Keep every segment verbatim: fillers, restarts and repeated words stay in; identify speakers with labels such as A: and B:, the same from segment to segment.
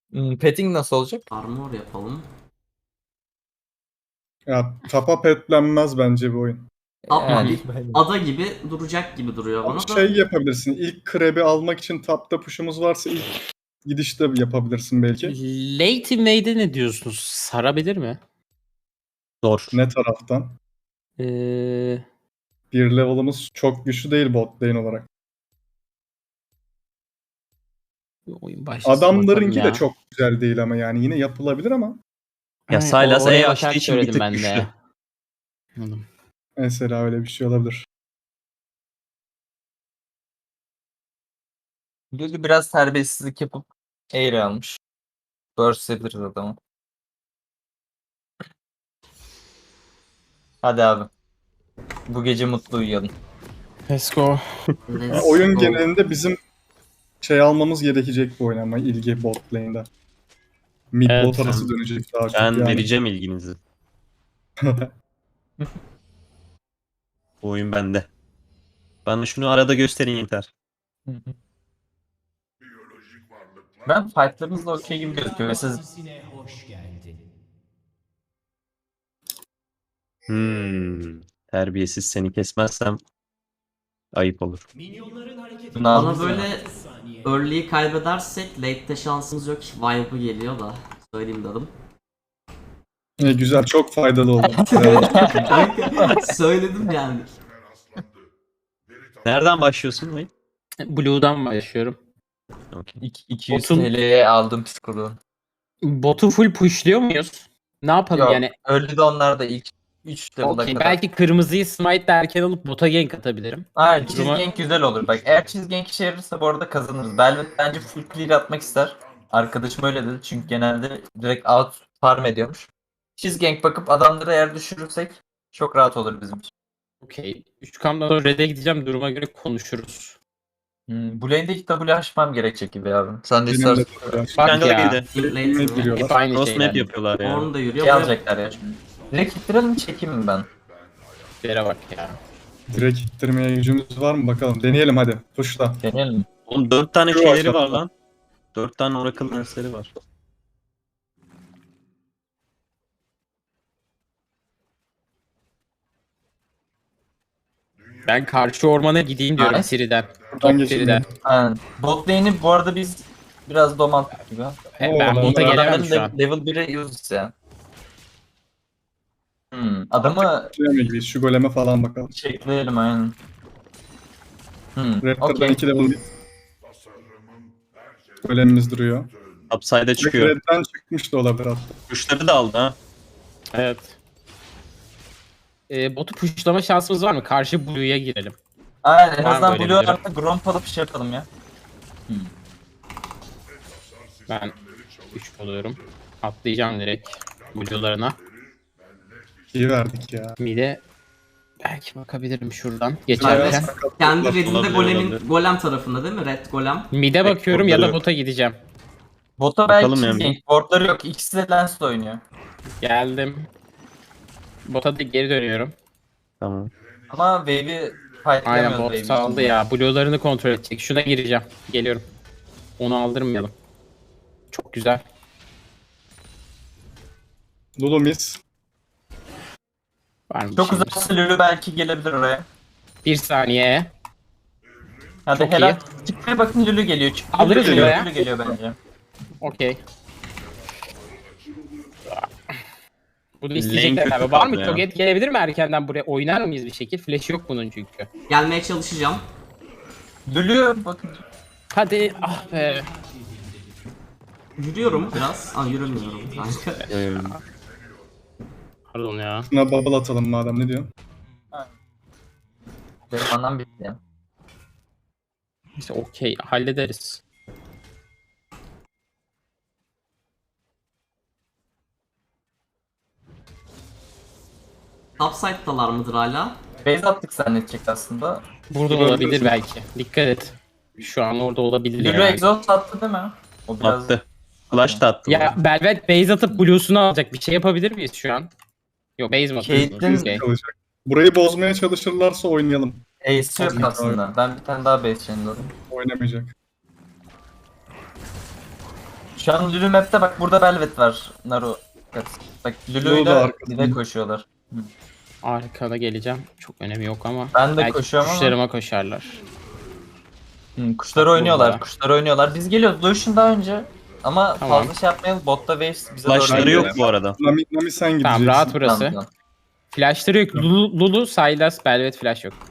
A: Hmm, petting nasıl olacak?
B: Armor yapalım.
C: Ya tapa petlenmez bence bu oyun.
B: Tap
A: Yani,
B: bir ada gibi duracak gibi duruyor
C: Ama
B: bana da.
C: şey yapabilirsin. İlk krebi almak için tapta push'umuz varsa ilk gidişte yapabilirsin belki.
D: Late invade'e ne diyorsunuz? Sarabilir mi?
E: Zor.
C: Ne taraftan?
D: Ee,
C: Bir level'ımız çok güçlü değil bot lane olarak.
D: oyun başlasın
C: Adamlarınki
D: bakalım
C: de
D: ya.
C: çok güzel değil ama yani yine yapılabilir ama
E: Ya
D: Ay,
E: Sylas
D: oraya
E: E
D: bakarak
E: açtığı için bir
D: söyledim
E: tık
D: ben de.
E: güçlü.
D: Anladım.
C: mesela öyle bir şey olabilir.
A: Lulu biraz terbiyesizlik yapıp eğri almış. Burst ederiz adamı. Hadi abi. Bu gece mutlu uyuyalım.
D: Let's go.
C: Yani
B: Let's
C: oyun
B: go.
C: genelinde bizim şey almamız gerekecek bu oynama ilgi bot lane'de. Mid
D: Evet,
C: bot arası
E: ben-
C: dönecek daha çok
E: Ben
C: yani.
E: vereceğim ilginizi. Bu oyun bende. Bana şunu arada gösterin yeter.
A: Ben fightlarımızda okey gibi gözüküyor. Mesela
E: Hmm. Terbiyesiz seni kesmezsem ayıp olur.
B: Bana böyle early'yi kaybedersek late'de şansımız yok. Vibe'ı geliyor da. Söyleyeyim dedim.
C: E, güzel çok faydalı oldu.
B: Kanka, söyledim yani.
E: Nereden başlıyorsun oyun?
D: Blue'dan başlıyorum.
E: Okay.
A: iki- 200
D: Botun-
A: TL'ye aldım psikoloğu.
D: Botu full pushluyor muyuz? Ne yapalım
A: Yok,
D: yani?
A: öldü de onlar da ilk üç level'a
D: Okey,
A: kadar.
D: belki kırmızıyı smite derken alıp bota gank atabilirim.
A: Aynen,
D: Duruma-
A: cheese gank güzel olur. Bak eğer cheese gank işe yararsa bu arada kazanırız. Belvet bence full clear atmak ister. Arkadaşım öyle dedi çünkü genelde direkt out farm ediyormuş. Cheese gank bakıp adamları eğer düşürürsek çok rahat olur bizim için.
D: Okey. üç kamdan sonra red'e gideceğim, duruma göre konuşuruz.
A: Hmm, bu lane'de ilk W açmam gerekecek gibi abi. Sen de
C: Benim de
A: istersen.
C: biraz
D: Bak
E: Jungle
D: ya.
E: girdi.
B: Late
C: ne
B: mi?
D: Hep
C: giriyorlar.
D: aynı
E: Cross
D: şeyler.
E: map yapıyorlar ya.
B: Orn da yürüyor.
A: Şey
B: Buraya-
A: alacaklar ya şimdi. Direkt ittirelim mi çekeyim mi ben?
D: Yere bak ya.
C: Direkt ittirmeye gücümüz var mı bakalım. Deneyelim hadi. Push'la.
A: Deneyelim mi?
E: Oğlum dört tane
C: Şu
E: şeyleri var
C: aşağıda.
E: lan. Dört tane Oracle dersleri var.
D: Ben karşı ormana gideyim diyorum
A: Nice.
D: Siri'den.
C: Buradan
D: Top Siri'den.
C: geçelim.
A: Aynen. Bot lane'i bu arada biz biraz domalttık gibi.
D: E, ben
C: Oo,
D: bota
C: ben-
D: gelemem
A: Ben
D: şu an.
A: level bire uses ya. Hmm, adamı
C: Geçemeyiz. Şu goleme falan bakalım.
A: çekleyelim aynen. Hmm,
C: Raptor'dan
A: okey.
C: iki level golemimiz duruyor.
E: Upside'a
C: Belki
E: çıkıyor.
C: Red'den çıkmış da olabilir hatta.
E: Kuşları da aldı ha.
D: Evet. E, botu pushlama şansımız var mı? Karşı Blue'ya girelim.
A: Aynen en
D: Var
A: azından
D: böyle
A: Blue
D: bir durum.
A: artı Gromp alıp şey yapalım ya.
D: Ben üç oluyorum. Atlayacağım direkt Blue'larına.
C: İyi verdik ya.
D: Mide belki bakabilirim şuradan
B: Evet.
D: geçerken.
B: Kendi redinde
E: Olabilir,
B: golemin
E: olabilir.
B: golem tarafında değil mi? Red golem.
D: Mide
E: Pek
D: bakıyorum ya da
E: orada yok.
D: bota gideceğim.
A: Bota belki
E: Bakalım
A: Bakalım
E: yani.
A: Boardları yok. İkisi de Lens'le oynuyor.
D: Geldim. Bota da geri dönüyorum.
E: Tamam.
A: Ama Wave'i
D: Aynen,
A: fightlayamıyoruz
D: bot
A: Wave'i
D: saldı
A: şimdi.
D: ya. Blue'larını kontrol edecek. Şuna gireceğim. Geliyorum. Onu aldırmayalım. Çok güzel.
C: Lulu miss.
D: Var mı bir
A: Çok
D: şeyler?
A: uzaksa Lulu belki gelebilir oraya.
D: Bir saniye.
A: Hadi
D: Çok
A: helal. Çıkmaya bakın Lulu geliyor. Çıkmaya
D: Alırız
A: geliyor.
D: buraya.
A: Lulu geliyor bence.
D: Okey. Bunu
E: Lane
D: isteyecekler
E: kötü
D: abi. Var mı?
E: kaldı ya.
D: Toget gelebilir mi erkenden buraya? Oynar mıyız bir şekil? Flash yok bunun çünkü.
B: Gelmeye çalışacağım.
A: Lulu bakın.
D: Hadi ah be.
B: Yürüyorum biraz. Aa yürümüyorum kanka.
E: Ee,
D: Pardon ya.
C: Buna bubble atalım madem ne diyorsun?
A: Benim anlam bitti ya.
D: İşte okey. Hallederiz.
B: Topside'dalar mıdır hala?
A: Base attık zannedecek aslında.
D: Burada
C: Gördünüz
D: olabilir
C: mü?
D: belki. Dikkat et. Şu an orada olabilir
A: Lulu
D: yani.
A: exhaust attı değil mi? O biraz...
E: attı. Flash da attı.
D: Ya Belvet base atıp Blue'sunu alacak. Bir şey yapabilir miyiz şu an? Yok, base mi atıyorsunuz?
A: Caitlyn-
D: Okey.
C: Kalacak. Burayı bozmaya çalışırlarsa oynayalım.
A: Ace yok
C: Okey.
A: aslında. Ben bir tane daha base chain'ladım.
C: Oynamayacak.
A: Şu an Lulu map'te bak burada Belvet var. Naru. Bak
C: Lulu da
A: Lulu'yla
C: arkasında.
A: bir de koşuyorlar.
D: Arkada geleceğim. Çok önemi yok ama.
A: Ben de
D: belki
A: koşuyorum ama-
D: kuşlarıma koşarlar.
A: Hı, kuşlar
D: Bak
A: oynuyorlar.
D: burada.
A: Kuşlar oynuyorlar. Biz geliyoruz Lucian daha önce. Ama
D: Tamam.
A: fazla şey yapmayalım. Botta Waves bize
E: Flashları
C: Aynen.
E: yok bu arada.
C: Nami, Nami sen gideceksin.
D: Tamam rahat burası.
A: Tamam, tamam.
D: Flashları yok. Lulu, Lulu, Sylas, Belvet flash yok.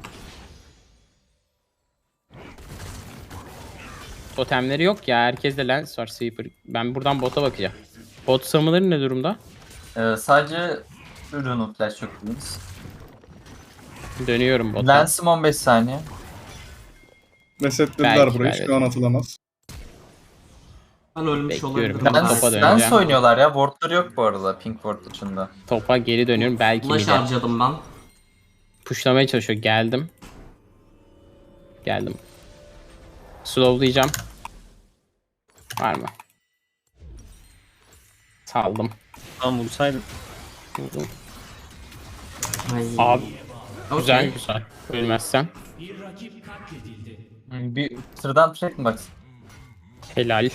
D: Totemleri yok ya. Herkeste lens var. Sweeper. Ben buradan bota bakacağım. Bot summoner'ı ne durumda?
A: Ee, sadece ürünün flash yok dediniz.
D: Dönüyorum bota.
A: Lens'im on beş saniye.
C: Resetlediler
D: Belki,
C: burayı.
D: belki.
C: Şu an atılamaz.
B: Ben ölmüş
D: Bekliyorum.
B: olabilirim.
D: Ben
A: Lens,
D: topa
A: Lens
D: döneceğim.
A: oynuyorlar ya. Wardları yok bu arada Pink Ward dışında.
D: Topa geri dönüyorum. Belki
B: Flash
D: mide.
B: harcadım ben.
D: Pushlamaya çalışıyor. Geldim. Geldim. Slowlayacağım. Var mı? Saldım.
E: Tamam vursaydın.
D: Vurdum.
B: Ay.
D: Abi
B: Okey.
D: güzel güzel. Ölmezsen.
A: Bir sıradan track mi baksın?
D: Helal.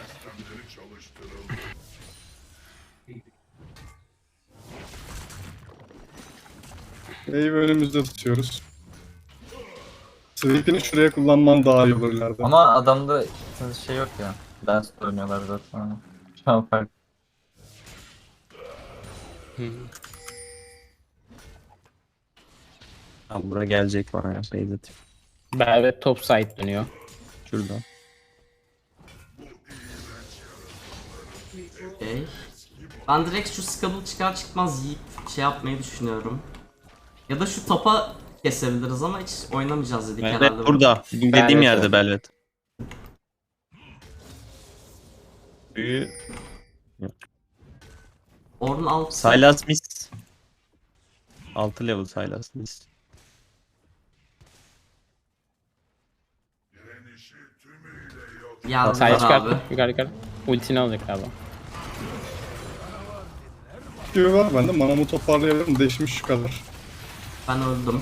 C: Wave'i önümüzde tutuyoruz. Sweep'ini şuraya kullanman daha iyi olur ileride.
A: Ama adamda şey yok ya. Lens oynuyorlar zaten. Şu an fark.
E: Abi buraya gelecek bana ya. Beyz atayım.
D: Belvet top side dönüyor.
E: Şurada.
B: Okey. Ben direkt şu Scuttle çıkar çıkmaz yiyip şey yapmayı düşünüyorum. Ya da şu topa kesebiliriz ama hiç oynamayacağız dedik herhalde.
E: Evet burada. Dediğim
D: Belvet
E: yerde
D: o.
E: Belvet. Büyü.
B: Orun alt.
E: Sylas Miss. altı level Sylas Miss.
B: Geldiler
D: Side
B: abi.
D: çıkarttım. Yukarı yukarı. Ultini alacak galiba.
C: Gibi var bende. Manamı toparlayabilirim. Deşmiş şu kadar.
B: Ben öldüm.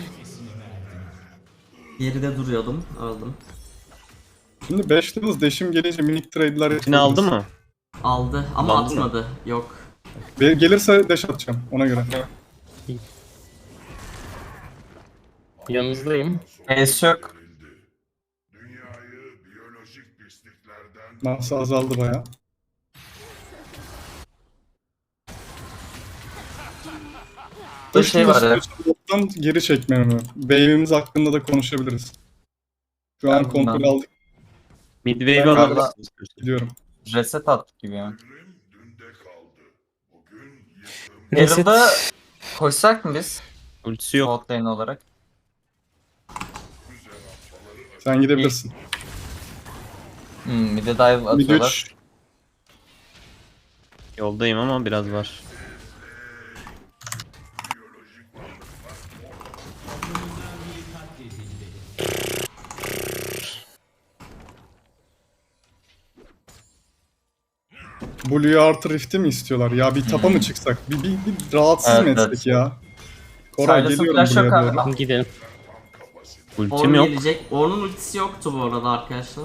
B: Geride duruyordum. Öldüm.
C: Şimdi beş levels deşim gelince minik trade'ler yapabiliriz.
E: Yine aldı mı?
B: Aldı ama
E: Aldı mı?
B: atmadı. Yok.
C: Ve gelirse dash atacağım ona göre.
D: Yanınızdayım.
A: Ace yok.
C: Masa azaldı baya.
A: Bir şey var ya.
C: Bottan geri çekmemi. Wave'imiz hakkında da konuşabiliriz. Şu an
A: Ben
C: kontrol
A: bundan-
C: aldık.
E: Midwave'i
C: Ben
E: alabilirsiniz.
C: Gidiyorum.
A: Reset attık gibi yani.
D: Reset.
A: Herald'a koşsak mı biz?
E: Ultisi yok.
A: Bot lane olarak.
C: Sen gidebilirsin.
A: Hmm, bir de dive
C: Bir
A: atıyorlar.
C: güç.
E: Yoldayım ama biraz var.
C: Blue'yu artı Rift'i mi istiyorlar? Ya bir tapa mı çıksak? Bir, bir, bir rahatsız
A: Evet,
C: mı
A: evet.
C: etsek ya? Koray
A: Silas'ın
C: geliyorum
A: flash yok
C: buraya
A: abi.
C: doğru.
D: Gidelim.
E: Ultim
B: Orun
E: yok.
B: gelecek. Orun'un ultisi yoktu bu arada arkadaşlar.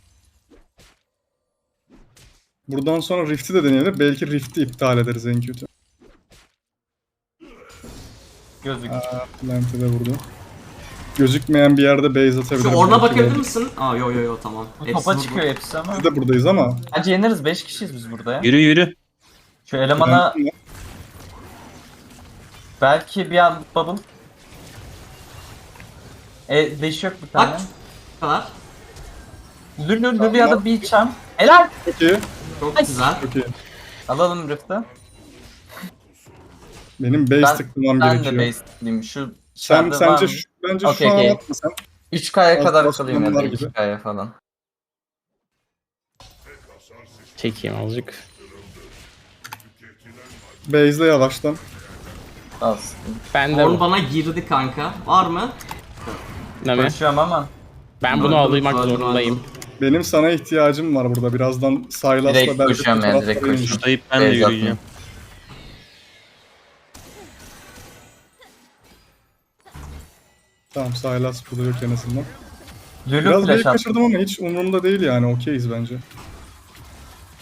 C: Buradan sonra Rift'i de deneyelim. Belki Rift'i iptal ederiz en kötü.
A: Gözük.
C: Aa, Plant'e de vurdu. Gözükmeyen bir yerde base atabiliriz.
B: Şu Orun'a
C: belki
B: bakabilir
C: de.
B: misin? Aa yo yo yo tamam. Hepsi
A: Topa
B: vurdu.
A: çıkıyor hepsi ama.
C: Biz de buradayız ama.
A: Bence yeneriz. beş kişiyiz biz burada ya.
E: Yürü yürü.
A: Şu elemana belki bir an bubble. E, deş yok bir tane.
B: Bak. Bu kadar.
A: Lülü lülü ya da bir çam. Helal.
C: Çok iyi.
B: Çok
A: Ay.
B: güzel.
C: Çok iyi.
A: Alalım Rift'i.
C: Benim base
A: Ben-
C: tıklamam
A: Ben
C: gerekiyor.
A: de base'liyim. Şu
C: Sen
A: içeride
C: sence
A: var mı?
C: şu, bence
A: Okey,
C: şu an
A: okey.
C: atma sen.
A: üç K'ya kadar
C: Alt
A: kalayım ya da
C: basmanlar gibi.
A: iki K'ya falan.
D: Çekeyim azıcık.
C: Base'le yavaştan.
A: Alsın.
D: Ben de
B: Orun
D: bu.
B: bana girdi kanka. Var mı?
D: Nami.
A: Koşuyorum ama.
D: Ben bunu
B: Öldüm,
D: almak
B: öldüm,
D: zorundayım.
B: öldüm.
C: Benim sana ihtiyacım var burada. Birazdan Sylas'la
A: Direkt
C: belki
A: koşuyorum yani, direkt koşuyorum.
E: Tuşlayıp ben de
A: Beyz atma.
E: yürüyeceğim.
C: Tamam Sylas burada yok en azından.
A: Lülü
C: Biraz
A: flash
C: base
A: attı.
C: kaçırdım ama hiç umurumda değil yani. Okeyiz bence.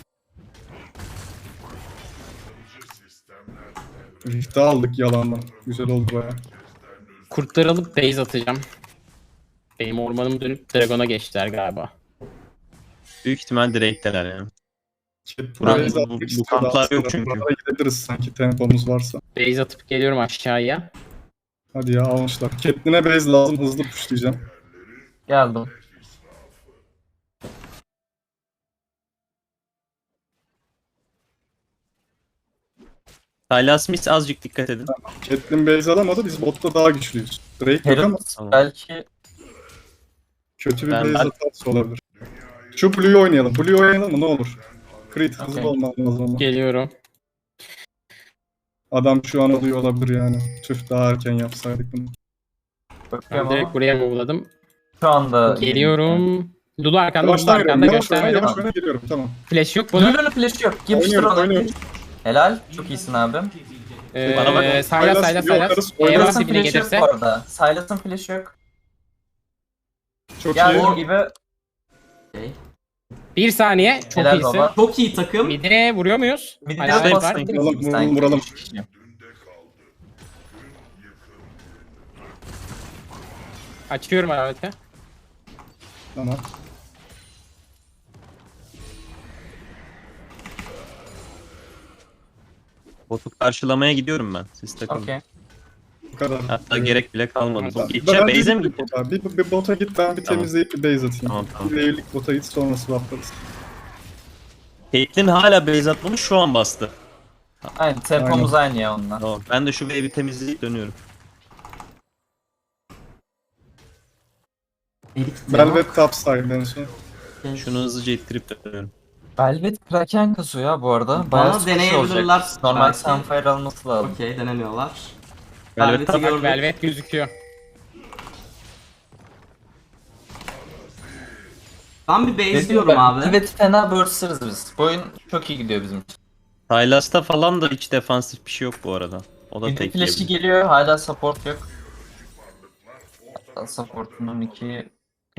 C: Rift'i aldık yalandan. Güzel oldu baya.
D: Kurtları alıp base atacağım. Benim ormanım dönüp Dragon'a geçtiler galiba.
E: Büyük ihtimal direkteler yani.
C: Cat
E: Buranın-
C: base
E: bu-
C: atmak
E: bu
C: istiyordu
E: kamplar
C: aslında.
E: yok çünkü.
C: Buralara gidebiliriz sanki tempomuz varsa.
D: Base atıp geliyorum aşağıya.
C: Hadi ya almışlar. Catelyn'e base lazım, hızlı pushlayacağım.
A: Geldim.
E: Sylas Smith azıcık dikkat edin.
C: Catelyn base alamadı, biz botta daha güçlüyüz. Drake yok ama
A: Herald
E: Tamam.
A: belki
C: kötü bir
E: Ben-
C: base
E: ben-
C: hatası olabilir. Şu Blue'yu oynayalım. Blue'yu oynayalım mı ne olur? Crit hızlı
A: Okey.
C: olmaz lazım ama.
D: Geliyorum.
C: Adam şu an alıyor olabilir yani. Tüh daha erken yapsaydık bunu.
D: Ben
A: bakıyorum
D: direkt
A: ama
D: buraya move'ladım.
A: şu anda
D: Geliyorum. Lulu arkanda, Lulu
C: Yavaştan geliyorum.
D: arkanda
C: Yavaş oyna,
D: göstermedim.
C: yavaş oyna geliyorum. Tamam.
D: Flash yok bunun.
A: Lulu'nun flash'ı yok. Yapıştır
C: Oynuyorum,
A: onu.
C: oynuyorum.
A: Helal. Çok iyisin abim.
D: Ee,
E: Bana bak.
D: Saylas
C: Saylas
D: saylas
C: gidiyor,
D: saylas.
C: yukarısı
D: Eyvah
C: oynuyor.
A: Silas'ın
D: dibine
A: flash'ı yok
D: gelirse.
A: bu arada. Silas'ın flash'ı yok.
C: Çok iyi.
A: Geldiğim gibi
B: Okey.
D: Bir saniye. Çok
A: helal
D: iyisin.
A: baba.
B: Çok iyi takım.
D: Mid'e vuruyor muyuz?
A: Bir de
D: Hala
E: Sayın-
D: var.
A: bastım.
C: Vuralım, vuralım, vuralım.
D: Açıyorum alaveti.
C: Tamam.
E: Botu karşılamaya gidiyorum ben. Siz takılın.
A: Okey.
C: Bu kadar.
E: Hatta gerek bile kalmadı.
D: Tamam.
E: Bu gideceğim.
C: Ben-
E: Base'e mi
C: bir,
E: gideceğim?
C: bir, bir bota git ben bir
E: Tamam.
C: temizleyip bir base atayım.
E: Tamam, tamam.
C: Bir wave'lik bota git sonra swaplarız.
E: Caitlyn hala base atmamış, şu an bastı.
A: Aynen tempomuz aynı ya onunla.
E: Tamam. Ben de şu wave'i temizleyip dönüyorum.
B: Erik
C: Velvet topside en son.
E: Şunu hızlıca ittirip dönüyorum.
A: Velvet Kraken kasıyor ya bu arada. Bayağı
B: Bana
A: sıkıcı
B: deneyebilirler
A: olacak. Normal
B: belki.
A: Sunfire alması lazım.
B: Okey denemiyorlar.
E: Velvet
B: Velvet'i
E: tak-
B: gördük.
D: Velvet gözüküyor.
B: Ben bir base
A: Dedim
B: diyorum
A: ben,
B: abi.
A: Evet fena burstırız biz. Bu oyun çok iyi gidiyor bizim için.
E: Sylas'ta falan da hiç defansif bir şey yok bu arada. O da
A: Bir de
E: tek
A: flash'i
E: yiyebilir.
A: geliyor hala support yok. Hatta supportunun iki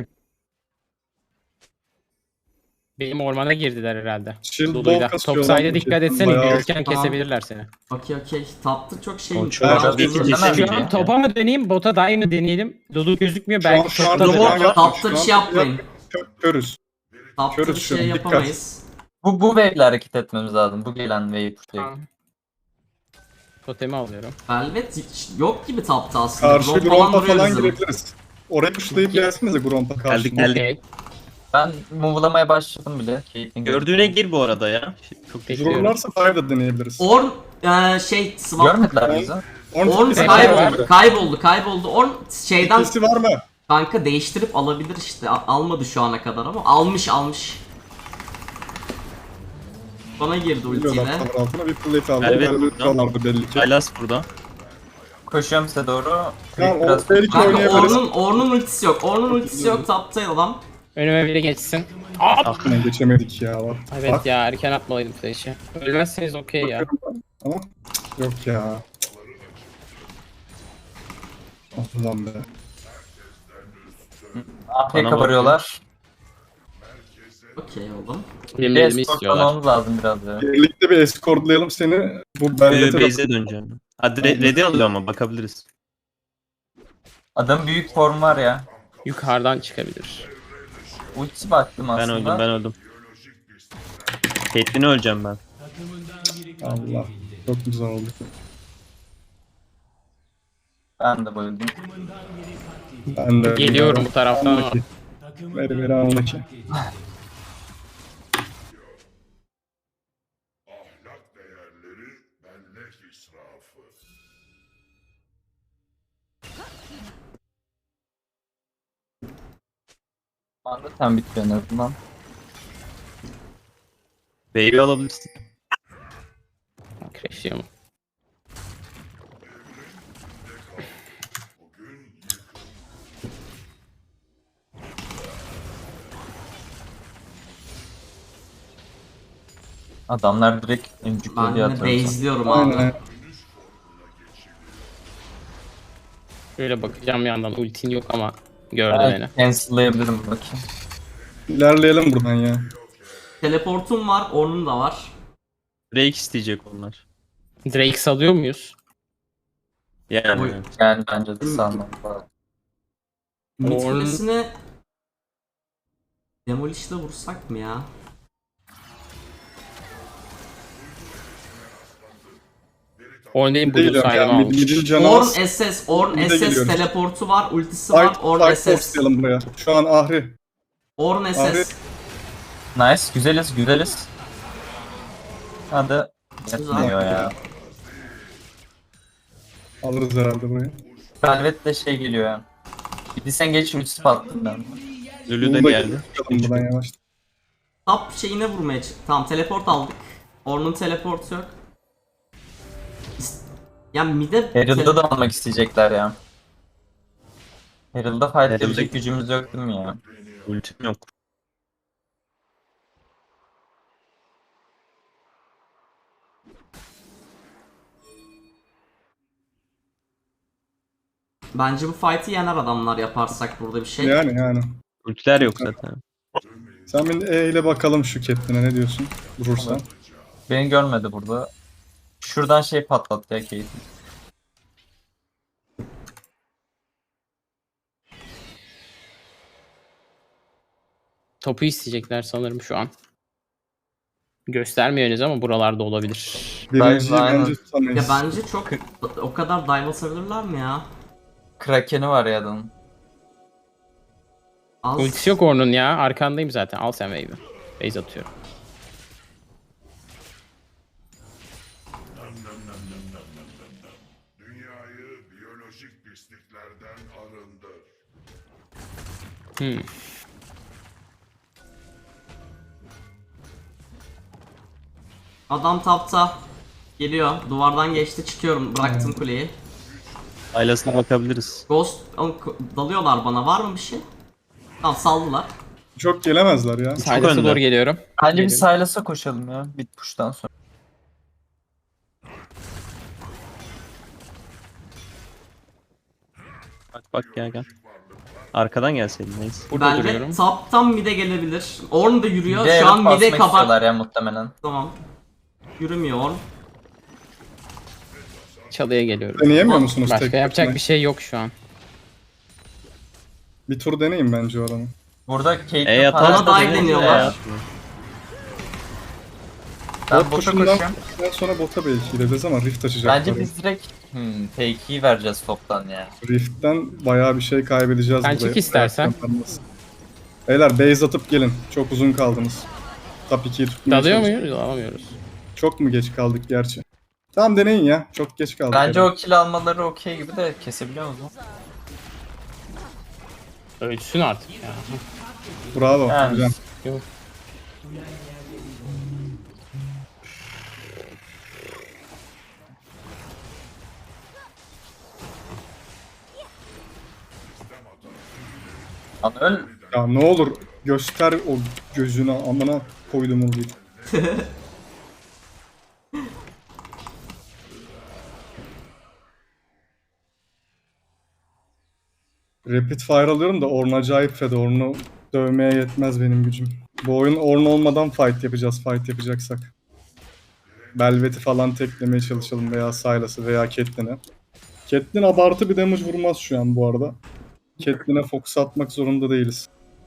D: Benim ormana girdiler herhalde.
C: Shield
D: Lulu'yla.
C: ball kasıyorlar.
D: Topside'e dikkat etsene.
C: Bayağı-
D: Yürürken
B: Tamam.
D: kesebilirler seni.
B: Okey okey. Taptı çok şey.
E: O çok-
B: Bayağı
A: çok
B: hızlı.
A: iyi
E: Şu
A: kesemem
D: Şu
A: ya.
D: an topa mı döneyim, bota dive mi deneyelim? Lulu gözükmüyor,
C: Şu an-
D: belki
C: şu an
D: topta
C: robot
B: Robot
D: döner.
C: var.
B: tapta
C: Şu
B: bir
C: an
B: şey yapmayın.
C: Kö- Körüz.
B: Tapta bir
C: Körüz şu
B: şey
C: an, dikkat.
B: yapamayız.
A: Bu, bu wave'le hareket etmemiz lazım. Bu gelen wave'i pushlayıp.
D: Tamam. Totemi alıyorum.
B: Velvet hiç yok gibi tapta aslında.
C: Karşı
B: Gromp
C: Gromp'a
B: duruyor
C: falan
B: bizim.
C: girebiliriz. Oraya pushlayıp gelsinize Gromp'a karşı.
E: Geldik, geldik.
D: Okey.
A: Ben move'lamaya başladım bile. Caitlyn
E: Gördüğüne gir bu arada ya. Çok
D: Bekliyorum.
C: Dururlarsa dive de deneyebiliriz.
B: Orn e, şey swap.
A: Görmediler bizi.
C: Orn
B: Orn
C: tikisi
B: kayboldu.
C: var mı?
B: Kayboldu kayboldu. Orn şeyden
C: Tikisi var mı?
B: kanka değiştirip alabilir işte. Al- Almadı şu ana kadar ama almış almış. Bana girdi
C: Biliyorlar
B: ultiyle.
C: tavır altına bir plate aldı.
E: Velvet
C: Velvet
E: buradan.
C: kallardı belli ki.
E: Sylas burada.
A: Koşuyorum size doğru.
C: Tamam,
A: Creep
C: o
A: biraz...
C: belki
B: Kanka
C: oynayabiliriz.
B: Orn'un Orn'un ultisi yok. Orn'un ultisi yok tapta adam.
D: Önüme biri geçsin.
C: Aklına geçemedik ya. Bak.
D: Evet
C: Bak,
D: ya, erken atmalıydım flash'i. Ölmezseniz okey ya.
C: bakıyorum ben. Ama yok ya. Allah'ım be.
A: A P
E: Bana
A: kabarıyorlar.
B: Okey oğlum.
D: Benim
A: Bir
D: elimi
A: escort
D: istiyorlar.
A: almamız lazım biraz ya.
C: Birlikte bir escortlayalım seni. Bu
E: Ee,
C: Velvet'e
E: base'e döneceğim. Hadi re- ready alıyor ama bakabiliriz.
A: Adam büyük form var ya.
D: Yukarıdan çıkabilir.
A: Ulti baktım
E: Ben
A: aslında.
E: öldüm, ben öldüm. Caitlyn'i öleceğim ben.
C: Allah. Çok güzel oldu.
A: Ben de bayıldım.
C: Ben de
D: Geliyorum bu taraftan ama.
C: Anlaki. Veri veri anlaki.
A: Anda sen bitiyor en azından.
E: Wave'i alabilirsin.
D: Crash'liyor mu?
A: Adamlar direkt öncük
B: Ben
A: diye
B: de
A: atıyor.
B: base'liyorum abi.
C: Aynen.
D: Şöyle bakacağım yandan, ultin yok ama gördü beni.
A: Ben cancel'layabilirim bakayım.
C: İlerleyelim buradan ya.
B: Teleportum var, Orn'un da var.
E: Drake isteyecek onlar.
D: Drake salıyor muyuz?
E: Yani.
B: Oy.
A: Yani bence de sanmam lazım.
B: Mid
D: Orn-
B: kulesine Demolish'le vursak mı ya?
D: Oynayın
C: Değil
D: Blue
C: ya.
D: Siren'ı
C: Mid,
D: almış.
C: mid'in canı
B: Orn
C: az.
B: S S, Orn
C: Mid'e
B: S S
C: geliyoruz.
B: teleportu var, ultisi var,
C: Fight,
B: Orn
C: fight
B: S S.
C: forcelayalım buraya. Şu an Ahri.
B: Orn S
C: Abi.
B: S.
A: Nice, güzeliz, güzeliz. Hadi.
B: Güzel.
A: Yetmiyor ya.
C: Alırız herhalde burayı.
A: Velvet de şey geliyor ya. Bir sen geç ultisi patladım ben.
E: Lulu da
C: Bunu
E: geldi.
C: Çıkalım buradan yavaş.
B: Top şeyine vurmaya çık. Tamam teleport aldık. Orn'un teleportu yok. İst- Yani mid'e
A: Herald'da da almak isteyecekler ya. Herald'da fight
E: Herald'da-
A: edecek gücümüz yok değil mi ya?
E: Ultim yok.
B: Bence bu fight'i yener adamlar yaparsak burada bir şey.
C: Yani yani.
E: Ultiler yok zaten.
C: Sen bir E ile bakalım şu Catelyn'e ne diyorsun? Vurursan.
A: Beni görmedi burada. Şuradan şey patlattı ya Kate.
D: Topu isteyecekler sanırım şu an. Göstermiyorsunuz ama buralarda olabilir.
C: Birinciyi
A: aynen.
C: bence
B: Ya
C: tutamayız.
B: bence çok o kadar dive atabilirler mi ya?
A: Kraken'i var ya adamın.
B: Az.
D: Ultisi yok Ornn'un ya. Arkandayım zaten. Al sen wave'i. Base atıyorum.
F: Dünyayı biyolojik pisliklerden arındır.
D: Hmm.
B: Adam tapta. Geliyor. Duvardan geçti. Çıkıyorum. Bıraktım kuleyi.
E: Aylasına bakabiliriz.
B: Ghost Oğlum, ko- dalıyorlar bana. Var mı bir şey? Tamam saldılar.
C: Çok gelemezler ya.
D: Silas'a
E: önde.
D: doğru geliyorum.
A: Bence bir
D: Geliyorum.
A: Silas'a koşalım ya. Bit push'tan sonra.
E: Bak bak gel gel. Arkadan gelseydin neyse.
D: Burada duruyorum.
B: Velvet taptan mid'e gelebilir. Orn da yürüyor.
A: Bir de
B: Şu an
A: Herald
B: mid'e
A: basmak
B: kapat.
A: istiyorlar ya muhtemelen.
B: Tamam. Yürümüyor Orn.
D: Çalıya geliyorum.
C: Deneyemiyor musunuz
D: Başka
C: tek
D: yapacak
C: başına?
D: bir şey yok şu an.
C: Bir tur deneyin bence o adamı.
A: Burada Kate'in
E: E
B: Bana
E: atalım
B: dive
E: da
B: deniyorlar.
E: E,
A: Ben
C: Bot
A: bota
C: push'undan
A: koşuyorum.
C: daha sonra bota belki gideceğiz ama Rift açacaklar.
A: Bence biz direkt hmm, fake'i vereceğiz toptan ya.
C: Rift'ten bayağı bir şey kaybedeceğiz
D: Sen
C: buraya.
D: çık istersen.
C: Beyler base atıp gelin. Çok uzun kaldınız. Top ikiyi tutmaya
D: Dalıyor
C: çalışın.
D: muyuz? Alamıyoruz.
C: Çok mu geç kaldık gerçi? Tamam deneyin ya. Çok geç kaldık.
A: Bence
C: yani.
A: o kill almaları okey gibi de kesebiliyor musun?
D: Ölsün artık ya.
C: Bravo
A: Yani.
C: hocam.
D: Yok.
A: Lan öl.
C: Ya ne olur göster o gözünü amına koydum onu. Rapid fire alıyorum da Ornn acayip fed. Ornn'u dövmeye yetmez benim gücüm. Bu oyun Ornn olmadan fight yapacağız, fight yapacaksak. Belvet'i falan teklemeye çalışalım veya Sylas'ı veya Catelyn'i. Catelyn abartı bir damage vurmaz şu an bu arada. Catelyn'e fokus atmak zorunda değiliz.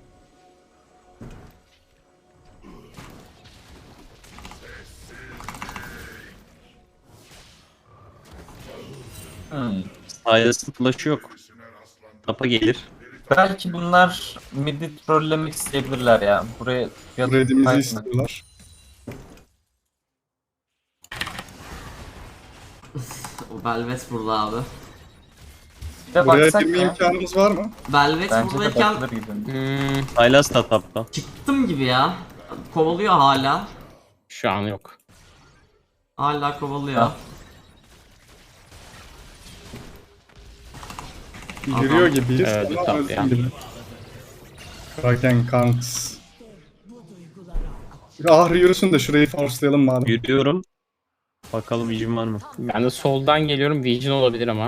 A: Hmm.
E: Aylasın flash'ı yok. Tapa gelir.
A: Belki bunlar midi trollemek isteyebilirler ya. Buraya
C: Red'imizi
A: Fight mi?
C: istiyorlar.
B: O Velvet burada abi.
A: Bir de
C: Buraya
A: baksak
C: girme
A: ya.
C: imkanımız var mı?
B: Velvet
A: Bence de
B: buradayken
A: bakılır gibi.
D: Hmm,
E: Aylas da tapta.
B: çıktım gibi ya. Kovalıyor hala.
D: şu an yok.
B: Hala kovalıyor.
A: Ha.
C: Giriyor gibiyiz
D: Evet,
C: ama
D: tabii
C: öldüm
D: ya.
C: gibi. Kraken Kanks. Ahri yürüsün de şurayı forcelayalım madem.
E: Yürüyorum. Bakalım vicim var mı?
D: Ben de soldan geliyorum. Vision olabilir ama.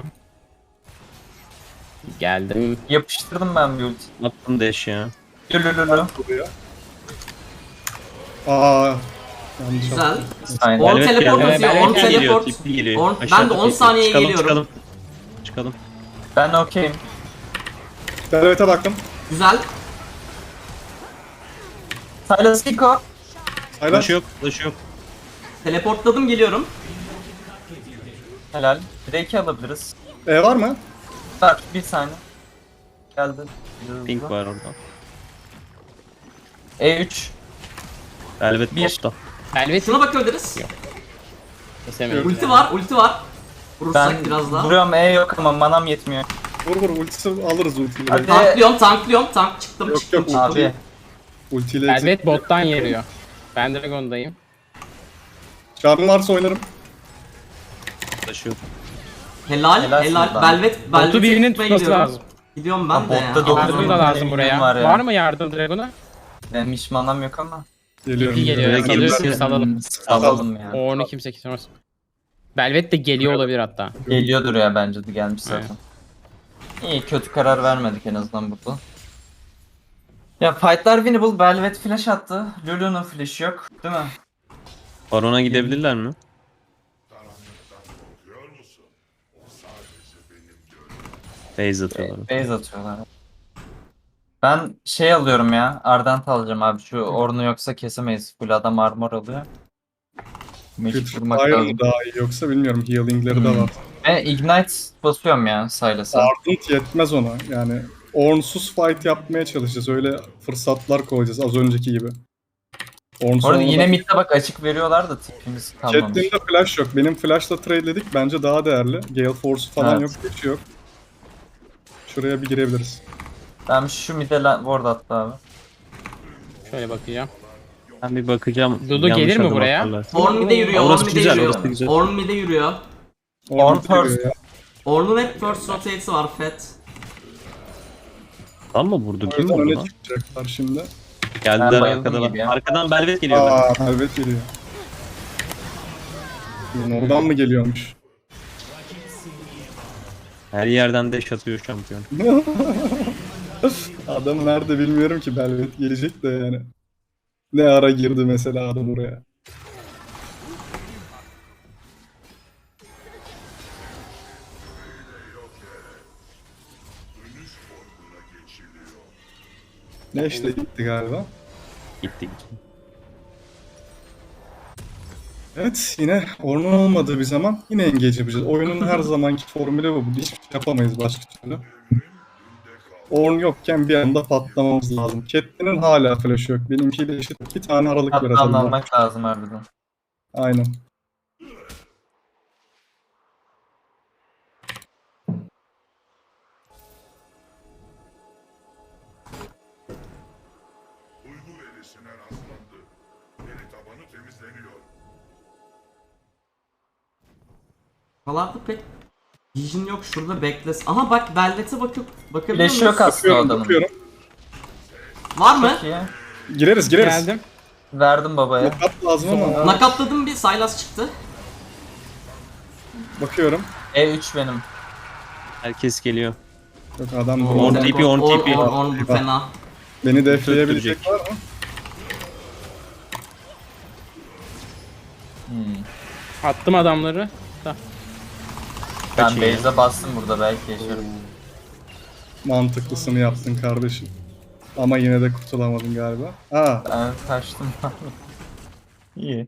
D: Geldim.
A: Yapıştırdım ben bir ulti.
E: Attım dash ya.
A: Lülülülü.
C: Buraya. Aa, Yanlış
B: Güzel.
C: yaptım.
A: Aynen.
B: Orn
E: Velvet
B: teleport
E: geldi.
B: atıyor.
D: Velvet
B: Orn
D: geliyor,
B: teleport.
E: Tipli geliyor.
B: Orn- ben
E: Aşağıda
B: de on
E: tekli.
B: saniye
E: çıkalım,
B: geliyorum.
E: Çıkalım. Çıkalım.
A: Ben okeyim.
C: Velvet'e baktım.
B: Güzel.
A: Silas Kiko.
C: Hayır.
E: Flash yok. Flash yok.
B: Teleportladım geliyorum.
A: Helal. Drake'i alabiliriz.
C: E var mı?
A: Var bir saniye. Geldi.
E: Pink var orada.
A: E üç.
E: Velvet
A: Bir.
E: botta.
D: Velvet
B: Şuna bakabiliriz.
D: kesemeyiz.
B: Ulti var, ulti var. Vurursak
A: Ben
B: biraz daha.
A: vuruyorum, E yok ama manam yetmiyor.
C: Vur vur ultisi alırız ultiyi.
A: Hadi.
B: Tanklıyorum, tanklıyorum. Tank çıktım,
C: Yok,
B: çıktım,
C: yok,
B: çıktım.
A: Abi.
C: Ultiyle
D: Velvet
C: exit.
D: bottan yeriyor. Ben Dragon'dayım.
C: Çağrım varsa oynarım.
E: Flash yok.
B: Helal, helal.
A: Helalsin lan.
B: Velvet, Velvet'e
D: Botu birinin
B: gitmeye
D: tutması
B: gidiyorum.
D: lazım.
B: Gidiyorum ben
A: Ha,
B: de ya.
A: botta dokuz
D: Yardım
A: Yardım
D: da
A: bin
D: lazım buraya.
A: var
D: Var,
A: ya.
D: mı yardım Dragon'a?
A: Benim hiç manam yok ama.
C: Geliyorum.
D: İyi geliyor.
E: Buraya
C: geliyorum.
E: gelirse-
D: Alıyoruz, salalım.
A: Hmm, Salalım ya.
D: Orn'u kimse kesemez. Velvet de geliyor olabilir hatta.
A: Geliyordur ya, bence de gelmiş zaten. İyi, kötü karar vermedik en azından burada. Ya fightlar winnable. Velvet flash attı. Lulu'nun flash'ı yok değil mi?
E: Baron'a gidebilirler mi? Base atıyorlar.
A: Base atıyorlar. Ben şey alıyorum ya. Ardent alacağım abi. Şu Orn'u yoksa kesemeyiz. Full adam armor alıyor. Magic vurmak
C: Fire
A: lazım.
C: mı daha iyi yoksa bilmiyorum. Healing'leri de
A: Hmm.
C: var.
A: Ve Ignite basıyorum ya Silas'a.
C: Ardent yetmez ona. Yani Orn'suz fight yapmaya çalışacağız. Öyle fırsatlar koyacağız az önceki gibi. Orn
A: Bu arada yine
C: sonradan-
A: midde bak açık veriyorlar da tipimiz kalmamış.
C: Catelyn'de flash yok. Benim flash'la trade'ledik. Bence daha değerli. Gale Force falan
A: Evet.
C: yok. Hiç yok. Şuraya bir girebiliriz.
A: Ben şu mid'e la- ward attı abi.
D: Şöyle bakacağım.
E: Ben bir bakacağım.
D: Dudu
E: Yanlış
D: gelir mi
E: adım
D: buraya?
E: atarlarsa.
B: Orn mid'e yürüyor, Orn
E: Orası
B: mid'e
E: güzel,
B: yürüyor.
E: orası güzel.
B: Orn mid'e yürüyor.
A: Orn
C: giriyor
A: first.
C: ya.
B: Orn'un hep first rotate'i var, Fett.
E: Tam mı vurdu?
C: O
E: Kim
C: yüzden
E: vurdu
C: öne
E: lan?
C: çıkacaklar şimdi.
E: Geldiler
A: Ben bayıldım
E: arkadan.
A: gibi ya.
E: Arkadan Velvet geliyor.
C: Aa, Velvet geliyor. Oradan mı geliyormuş?
E: Her yerden deş atıyor şampiyon.
C: Adam nerede bilmiyorum ki, Velvet gelecek de yani. Ne ara girdi mesela adam oraya. Ne işte gitti galiba.
E: Gittik.
C: Evet, yine Ornn'un olmadığı bir zaman yine engage yapacağız. Oyunun her zamanki formülü bu. Hiçbir şey yapamayız başka türlü. Ornn yokken bir anda patlamamız lazım. Catelyn'in hala flash yok. Benimkiyle eşit iki tane aralık var
A: Hatta
C: atalım.
A: almak lazım harbiden.
C: Aynen.
F: Uygu verisine rastlandı. Veri tabanı temizleniyor.
B: Buralarda pek vision yok, şurada bekles. Aha bak, Velvet'e bakıp bakabiliyor
A: Flash'ı yok
B: musun?
A: aslında o
C: Bakıyorum,
A: adamın.
C: bakıyorum.
B: Var mı?
A: Çok iyi.
C: Gireriz, gireriz.
D: Geldim.
A: Verdim babaya.
C: Knockout lazım ama.
B: Nakatladım, bir Sylas çıktı.
C: Bakıyorum.
A: E üç benim.
E: Herkes geliyor.
C: Yok adam
E: Orn
C: bu.
E: T P, Orn T P.
B: Orn, Orn bu
C: Eyvah.
B: fena.
C: Beni defleyebilecek
E: Öttürecek.
C: var mı?
A: Hmm.
D: Attım adamları. Da.
A: Ben
E: Kaçın ya.
A: base'e bastım burada, belki yaşarım.
C: Mantıklısını yaptın kardeşim. Ama yine de kurtulamadın galiba. Aa,
A: Ben kaçtım. İyi.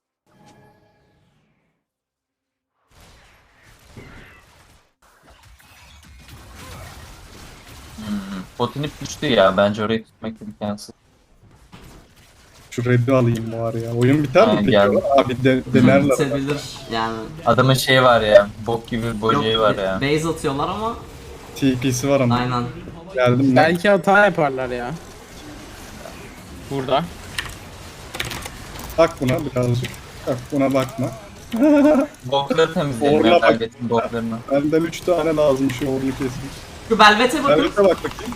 A: Hmm. Botanip düştü ya. Bence orayı tutmak imkansız.
C: şu red'i alayım bari ya. Oyun biter mi
A: Ha,
C: peki?
A: geldi.
C: Abi de, denerler.
B: Bitebilir yani.
A: Adamın şeyi var ya. Bok gibi bir bojeyi
B: Yok,
A: var ya.
B: base atıyorlar ama
C: T P'si var ama.
B: aynen.
C: Geldim ben.
D: Belki hata yaparlar ya. Burada.
C: Bak buna birazcık. Bak buna bakma.
A: Bokları temizleyelim
C: Orla
A: ya.
C: bak.
A: Target'in boklarını.
C: Benden üç tane lazım şu ornu kesmek.
B: Şu Velvet'e bakın.
C: Velvet'e bak bakayım.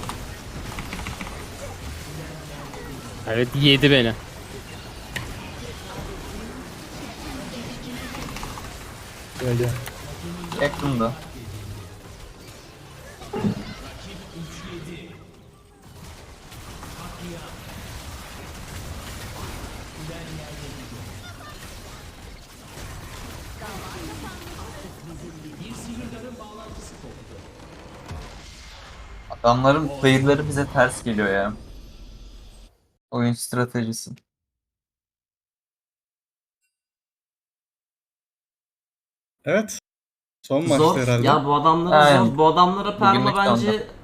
D: Evet, yedi beni.
C: Gel gel.
A: Yakında. Adamların player'ları bize ters geliyor ya. Oyun stratejisi.
C: Evet. Son maçta
B: Zor.
C: herhalde.
B: Ya bu adamlara
A: Aynen.
B: zor. Bu adamlara Perma
A: Bugünlük de
B: bence
A: onda.